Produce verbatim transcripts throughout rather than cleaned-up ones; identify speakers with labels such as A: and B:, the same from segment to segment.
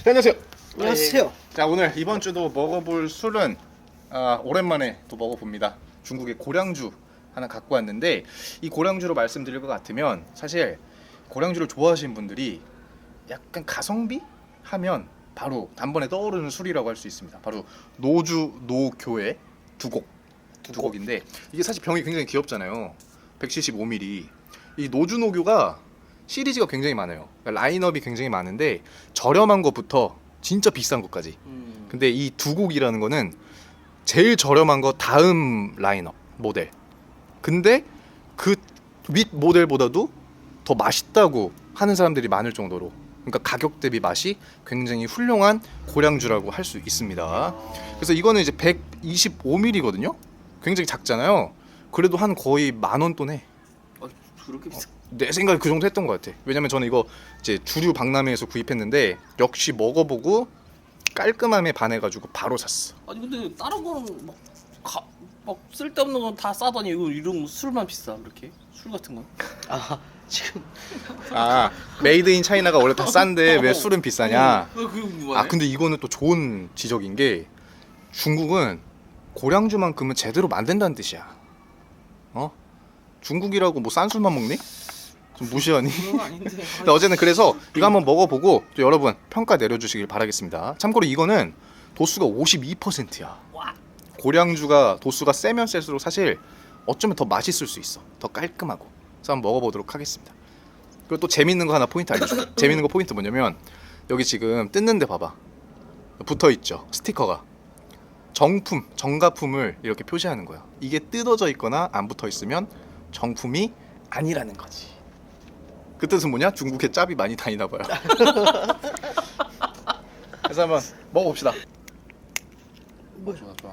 A: 안녕하세요.
B: 안녕하세요.
A: 자, 오늘 이번 주도 먹어볼 술은 아, 오랜만에 또 먹어봅니다. 중국의 고량주 하나 갖고 왔는데, 이 고량주로 말씀드릴 것 같으면 사실 고량주를 좋아하시는 분들이 약간 가성비 하면 바로 단번에 떠오르는 술이라고 할 수 있습니다. 바로 노주 노교의 두곡 두곡인데, 이게 사실 병이 굉장히 귀엽잖아요. 백칠십오 밀리리터. 이 노주 노교가 시리즈가 굉장히 많아요. 그러니까 라인업이 굉장히 많은데 저렴한 것부터 진짜 비싼 것까지.
B: 음.
A: 근데 이 두 곡이라는 거는 제일 저렴한 거 다음 라인업 모델. 근데 그 윗 모델보다도 더 맛있다고 하는 사람들이 많을 정도로, 그러니까 가격 대비 맛이 굉장히 훌륭한 고량주라고 할 수 있습니다. 그래서 이거는 이제 백이십오 밀리리터거든요. 굉장히 작잖아요. 그래도 한 거의 만 원 돈 해.
B: 아, 그렇게 비싸?
A: 내 생각에 그 정도 했던 것 같아. 왜냐면 저는 이거 이제 주류 박람회에서 구입했는데 역시 먹어보고 깔끔함에 반해가지고 바로 샀어.
B: 아니 근데 다른 거는 막, 가, 막 쓸데없는 건 다 싸더니 이거 이런 술만 비싸 그렇게? 술 같은 건?
C: 아 지금
A: 아, 메이드 인 차이나가 원래 다 싼데 왜 술은 비싸냐?
B: 어, 그거 궁금하네.
A: 아, 근데 이거는 또 좋은 지적인 게 중국은 고량주만큼은 제대로 만든다는 뜻이야. 어? 중국이라고 뭐 싼 술만 먹니? 좀 무시하니?
B: 그건 아닌데.
A: 근데 어제는 그래서 이거 한번 먹어보고 또 여러분 평가 내려주시길 바라겠습니다. 참고로 이거는 도수가 오십이 퍼센트야.
B: 와.
A: 고량주가 도수가 세면 셀수록 사실 어쩌면 더 맛있을 수 있어. 더 깔끔하고. 그래서 한번 먹어보도록 하겠습니다. 그리고 또 재밌는 거 하나 포인트 알려줄게. 재밌는 거 포인트 뭐냐면 여기 지금 뜯는데 봐봐. 붙어있죠. 스티커가. 정품, 정가품을 이렇게 표시하는 거야. 이게 뜯어져 있거나 안 붙어있으면 정품이 아니라는 거지. 그 뜻은 뭐냐? 중국에 짭이 많이 다니나 봐요. 그래서 한번 먹어봅시다.
C: 뭐
A: 좋아 좋아.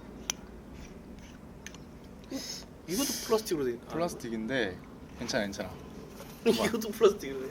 B: 이것도 플라스틱으로 돼. 아,
A: 플라스틱인데 괜찮아 괜찮아.
B: 이것도 플라스틱으로 돼.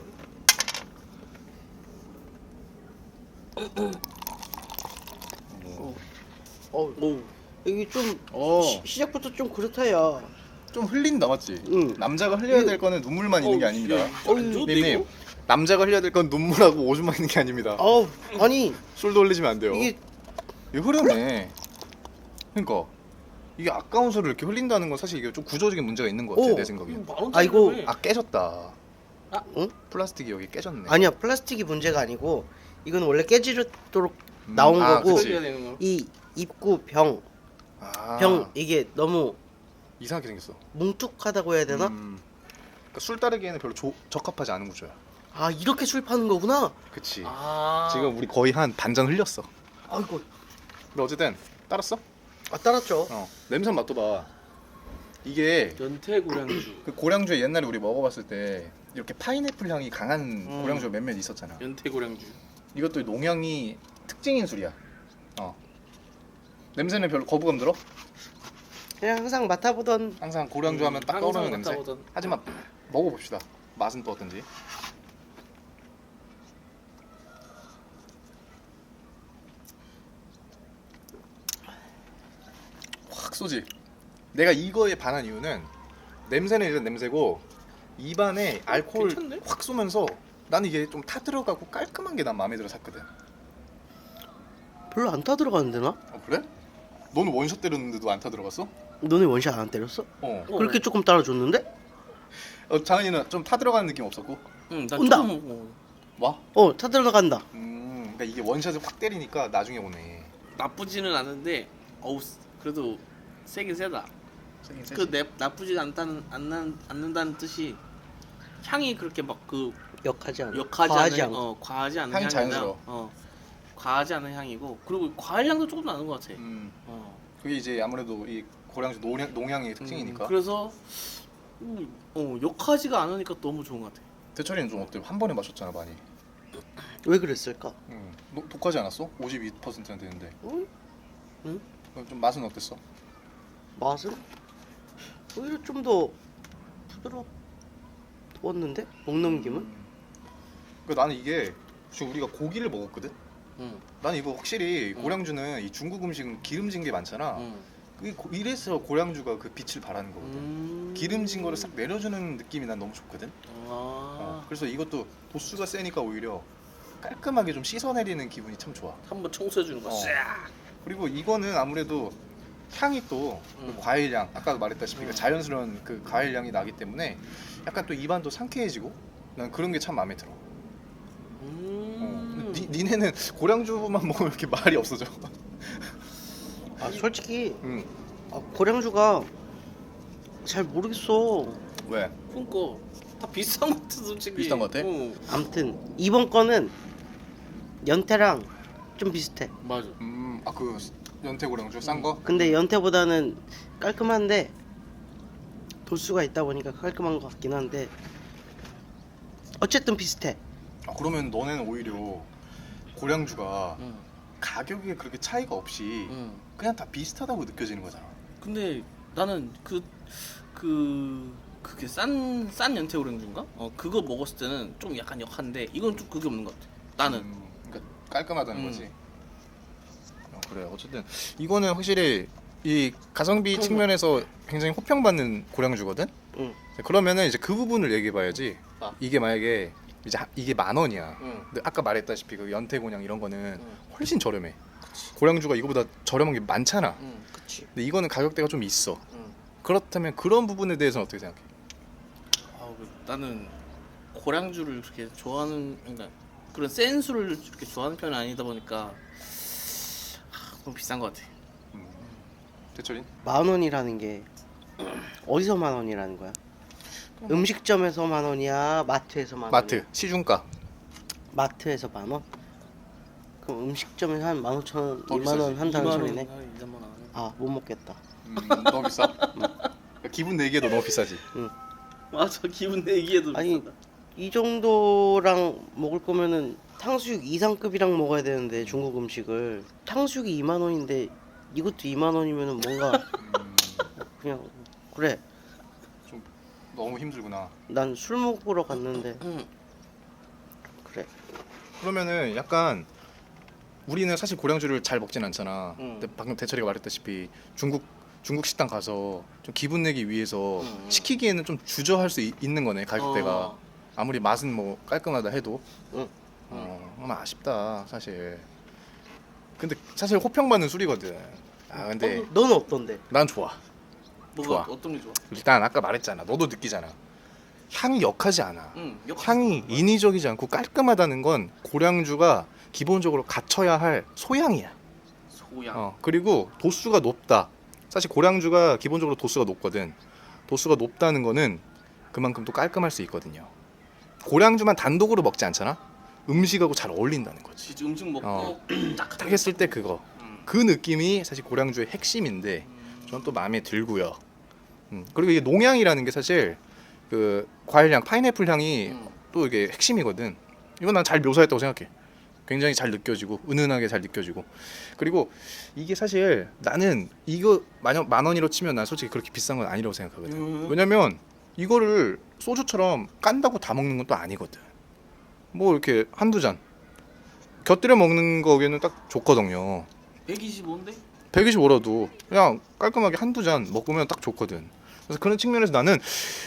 C: 어
B: 오.
C: 이게 좀
A: 어,
C: 시, 시작부터 좀 그렇다야.
A: 좀 흘린다 맞지?
C: 응.
A: 남자가 흘려야 될 거는 눈물만 있는 게
B: 어,
A: 아닙니다.
B: 어, 안 좋은데
A: 님,
B: 이거?
A: 남자가 흘려야 될 건 눈물하고 오줌만 있는 게 아닙니다.
C: 아우 아니
A: 술도 흘리시면 안 돼요.
C: 이게
A: 이게 흐르네. 그러니까 이게 아까운 술을 이렇게 흘린다는 건 사실 이게 좀 구조적인 문제가 있는 것 같아.
C: 오.
A: 내 생각에.
B: 만 원짜리.
C: 아이고.
A: 아, 깨졌다.
B: 아,
C: 응?
A: 플라스틱이 여기 깨졌네.
C: 아니야 플라스틱이 문제가 아니고 이건 원래 깨지도록
A: 음,
C: 나온
A: 아,
C: 거고
A: 그치.
B: 해야 되는 거.
C: 이 입구 병,
A: 아,
C: 병 이게 너무
A: 이상하게 생겼어.
C: 뭉툭하다고 해야 되나?
A: 음, 그러니까 술 따르기에는 별로 조, 적합하지 않은 구조야.
C: 아 이렇게 술 파는 거구나.
A: 그치.
B: 아.
A: 지금 우리 거의 한 반잔 흘렸어.
C: 아이고
A: 근데 어쨌든 따랐어?
C: 아 따랐죠.
A: 어. 냄새 맡도 봐. 이게
B: 연태 고량주.
A: 그 고량주에 옛날에 우리 먹어봤을 때 이렇게 파인애플 향이 강한
B: 음.
A: 고량주가 몇몇 있었잖아.
B: 연태 고량주.
A: 이것도 농향이 특징인 술이야. 어. 냄새는 별로 거부감 들어?
C: 그냥 항상 맡아보던
A: 항상 고량주
B: 음,
A: 하면 딱
B: 항상
A: 떠오르는 냄새.
B: 맡아보던.
A: 하지만 먹어봅시다. 맛은 또 어떤지. 확 쏘지. 내가 이거에 반한 이유는 냄새는 일단 냄새고 입안에 알코올
B: 괜찮네?
A: 확 쏘면서 나는 이게 좀 타 들어가고 깔끔한 게 난 마음에 들어 샀거든.
C: 별로 안 타 들어가는데 나?
A: 어 그래? 너는 원샷 때렸는데도 안 타 들어갔어?
C: 너네 원샷 안 때렸어?
A: 어.
B: 어.
C: 그렇게 조금 따라줬는데?
A: 어 장은이는 좀 타 들어가는 느낌 없었고?
B: 응, 나
C: 온다.
B: 조금. 어.
A: 와?
C: 어 타 들어간다.
A: 음, 그러니까 이게 원샷을 확 때리니까 나중에 오네.
B: 나쁘지는 않은데, 어우 그래도 세긴 세다.
A: 세긴 세지.
B: 그 내, 나쁘지 않다는 않는, 않는다는 뜻이 향이 그렇게 막 그
C: 역하지 않아.
B: 역하지
C: 과하지
B: 않은
C: 않고.
B: 어 과하지 않은
A: 향이
B: 향이나
A: 자연스러워.
B: 어 과하지 않은 향이고, 그리고 과일 향도 조금 나는 것 같아.
A: 음,
B: 어.
A: 그게 이제 아무래도 이 고량주 농양, 농양의 특징이니까.
B: 음, 그래서 음, 어 역하지가 않으니까 너무 좋은 것 같아.
A: 대철이는 좀 어때? 한 번에 마셨잖아 많이.
C: 왜 그랬을까?
A: 음, 너, 독하지 않았어? 오십이 퍼센트나 되는데.
C: 응? 응?
A: 그럼 좀 맛은 어땠어?
C: 맛은 오히려 좀 더 부드러웠는데 먹넘김은?
A: 음. 그 나는 이게 지금 우리가 고기를 먹었거든.
B: 응.
A: 나는 이거 확실히
B: 음.
A: 고량주는 이 중국 음식은 기름진 게 많잖아.
B: 응.
A: 이 고- 이래서 고량주가 그 빛을 발하는 거거든.
B: 음.
A: 기름진 거를 싹 내려주는 느낌이 난 너무 좋거든.
B: 아.
A: 어, 그래서 이것도 도수가 세니까 오히려 깔끔하게 좀 씻어내리는 기분이 참 좋아.
B: 한번 청소해 주는 거.
A: 어.
B: 싹.
A: 그리고 이거는 아무래도 향이 또 그
B: 음.
A: 과일향, 아까 말했다시피 그
B: 음.
A: 자연스러운 그 과일향이 나기 때문에 약간 또 입안도 상쾌해지고 난 그런 게 참 마음에 들어. 어.
B: 음.
A: 근데 니, 니네는 고량주만 먹으면 이렇게 말이 없어져.
C: 아 솔직히
A: 응.
C: 아, 고량주가 잘 모르겠어.
A: 왜?
B: 그러니까 다 비슷한 것 같아 솔직히.
A: 비슷한 것 같아?
B: 어.
C: 아무튼 이번 거는 연태랑 좀 비슷해.
B: 맞아.
A: 음, 아 그 연태 고량주 싼 거?
C: 근데 연태보다는 깔끔한데 도수가 있다 보니까 깔끔한 것 같긴 한데 어쨌든 비슷해.
A: 아, 그러면 너네는 오히려 고량주가
B: 응.
A: 가격에 그렇게 차이가 없이
B: 응.
A: 그냥 다 비슷하다고 느껴지는 거잖아.
B: 근데 나는 그 그 그게 싼 싼 연태 오렌지인가? 어 그거 먹었을 때는 좀 약간 역한데 이건 좀 그게 없는 것 같아. 나는.
A: 음, 그러니까 깔끔하다는
B: 음.
A: 거지. 어, 그래. 어쨌든 이거는 확실히 이 가성비 측면에서 굉장히 호평받는 고량주거든.
C: 응.
A: 그러면은 이제 그 부분을 얘기해봐야지.
B: 아.
A: 이게 만약에 이제 하- 이게 만 원이야.
B: 응.
A: 근데 아까 말했다시피 그 연태곤양 이런 거는
B: 응.
A: 훨씬 저렴해. 고량주가 이거보다 저렴한 게 많잖아.
B: 응.
C: 그치.
A: 근데 이거는 가격대가 좀 있어.
B: 응.
A: 그렇다면 그런 부분에 대해서는 어떻게 생각해?
B: 아, 그 나는 고량주를 그렇게 좋아하는 그러니까 그런 센 술을 그렇게 좋아하는 편이 아니다 보니까 아, 너무 비싼 것 같아.
A: 음. 대철인?
C: 만 원이라는 게 어디서 만 원이라는 거야? 음식점에서 만 원이야? 마트에서 만
A: 마트
C: 원이야?
A: 시중가.
C: 마트에서 만 원? 그럼 음식점에서 한 만 오천 원,
A: 더
C: 이만 원
A: 비싸지.
C: 한다는 소리네?
B: 이 삼만 원.
C: 아 못 먹겠다.
A: 음, 너무 비싸? 그러니까 기분 내기에도 너무 비싸지.
B: 맞아 기분 내기에도
C: 아니
B: 비싸다.
C: 이 정도랑 먹을 거면은 탕수육 이상급이랑 먹어야 되는데 중국 음식을 탕수육이 이만 원인데 이것도 이만 원이면은 뭔가
A: 음,
C: 그냥 그래
A: 좀 너무 힘들구나.
C: 난 술 먹으러 갔는데
B: 응.
C: 그래
A: 그러면은 약간 우리는 사실 고량주를 잘 먹진 않잖아.
B: 음.
A: 근데 방금 대철이가 말했다시피 중국 중국 식당 가서 좀 기분 내기 위해서
B: 음.
A: 시키기에는 좀 주저할 수 있, 는 거네 가격대가.
B: 어.
A: 아무리 맛은 뭐 깔끔하다 해도.
C: 응.
A: 어, 좀 아쉽다 사실. 근데 사실 호평받는 술이거든. 아 근데
C: 너는 어떤데?
A: 난 좋아.
B: 뭐가
A: 좋아.
B: 어떤 게 좋아?
A: 일단 아까 말했잖아. 너도 느끼잖아. 향이 역하지 않아.
B: 응.
A: 향이 인위적이지 않고 깔끔하다는 건 고량주가 기본적으로 갖춰야 할 소양이야.
B: 소양.
A: 어, 그리고 도수가 높다. 사실 고량주가 기본적으로 도수가 높거든. 도수가 높다는 거는 그만큼 또 깔끔할 수 있거든요. 고량주만 단독으로 먹지 않잖아. 음식하고 잘 어울린다는 거지.
B: 진짜 음식 먹고
A: 어.
B: 딱
A: 딱 했을 때 그거.
B: 음.
A: 그 느낌이 사실 고량주의 핵심인데
B: 음.
A: 저는 또 마음에 들고요. 음, 그리고 이게 농향이라는 게 사실 그 과일향, 파인애플 향이
B: 음.
A: 또 이게 핵심이거든. 이건 난 잘 묘사했다고 생각해. 굉장히 잘 느껴지고 은은하게 잘 느껴지고. 그리고 이게 사실 나는 이거 만약 만 원으로 치면 난 솔직히 그렇게 비싼 건 아니라고 생각하거든.
B: 음.
A: 왜냐면 이거를 소주처럼 깐다고 다 먹는 건 또 아니거든. 뭐 이렇게 한두 잔 곁들여 먹는 거기에는 딱 좋거든요.
B: 백이십오인데?
A: 백이십오라도 그냥 깔끔하게 한두 잔 먹으면 딱 좋거든. 그래서 그런 측면에서 나는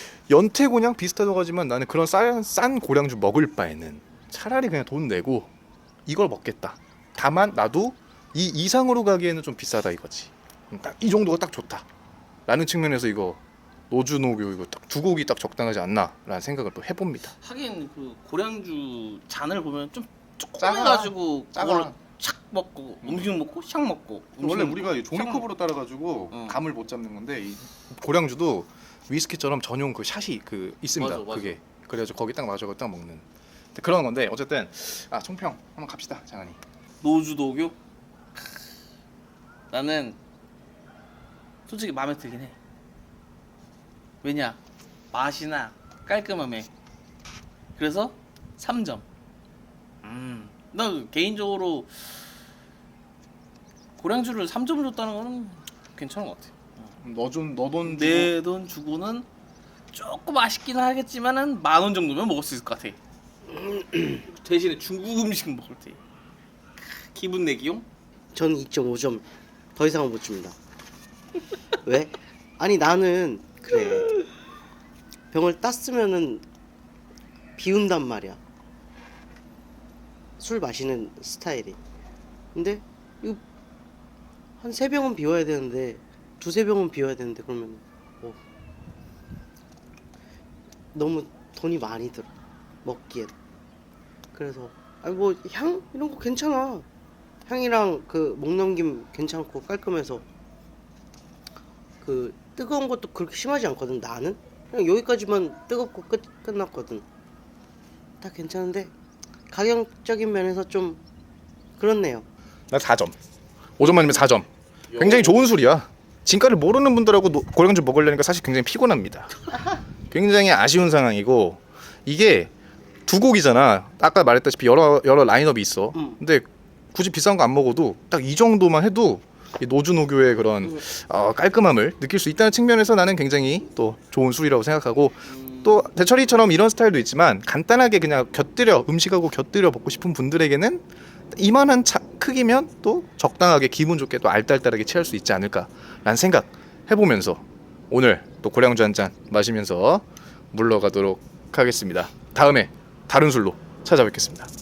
A: 연태곤양 비슷하다고 하지만 나는 그런 싼, 싼 고량주 먹을 바에는 차라리 그냥 돈 내고 이걸 먹겠다. 다만 나도 이 이상으로 가기에는 좀 비싸다 이거지. 딱 이 정도가 딱 좋다 라는 측면에서 이거 노주노교 이거 딱 두 곡이 딱 적당하지 않나 라는 생각을 또 해봅니다.
B: 하긴 그 고량주 잔을 보면 좀
A: 작아.
B: 조그매가지고
A: 작아.
B: 그걸 착 먹고 음식 먹고 샥 먹고
A: 원래
B: 음식
A: 우리가 이
B: 먹고, 샥
A: 종이컵으로 따라가지고
B: 응.
A: 감을 못 잡는 건데 이 고량주도 위스키처럼 전용 그 샷이 그 있습니다.
B: 맞아, 맞아.
A: 그게 그래가지고 거기 딱 마셔서 딱 먹는 그런 건데 어쨌든 아 총평 한번 갑시다 장한이.
B: 노주도교? 나는 솔직히 마음에 들긴 해. 왜냐 맛이나 깔끔함에 그래서 삼 점. 음, 나 개인적으로 고량주를 삼 점을 줬다는 거는 괜찮은 것 같아.
A: 너좀 너돈
B: 내 돈 주고는 조금 아쉽긴 하겠지만은 만 원 정도면 먹을 수 있을 것 같아. 대신에 중국 음식 먹을 때 기분 내기용?
C: 저는 이 점 오 점 더 이상은 못 줍니다. 왜? 아니 나는 그래 병을 땄으면은 비운단 말이야. 술 마시는 스타일이. 근데 이거 한 세 병은 비워야 되는데 두세 병은 비워야 되는데 그러면 뭐 너무 돈이 많이 들어 먹기엔. 그래서 아니 뭐 향 이런 거 괜찮아. 향이랑 그 목 넘김 괜찮고 깔끔해서 그 뜨거운 것도 그렇게 심하지 않거든. 나는 그냥 여기까지만 뜨겁고 끝 끝났거든. 다 괜찮은데 가격적인 면에서 좀 그렇네요.
A: 나 사 점. 오 점 만점에 사 점. 굉장히 좋은 술이야. 진가를 모르는 분들하고 노- 고량주 먹으려니까 사실 굉장히 피곤합니다. 굉장히 아쉬운 상황이고 이게 두 곡이잖아. 아까 말했다시피 여러 여러 라인업이 있어.
C: 음.
A: 근데 굳이 비싼 거 안 먹어도 딱 이 정도만 해도 이 노주노교의 그런
C: 음.
A: 어, 깔끔함을 느낄 수 있다는 측면에서 나는 굉장히 또 좋은 술이라고 생각하고 또 대철이처럼 이런 스타일도 있지만 간단하게 그냥 곁들여 음식하고 곁들여 먹고 싶은 분들에게는 이만한 차, 크기면 또 적당하게 기분 좋게 또 알딸딸하게 취할 수 있지 않을까라는 생각 해보면서 오늘 또 고량주 한 잔 마시면서 물러가도록 하겠습니다. 다음에 다른 술로 찾아뵙겠습니다.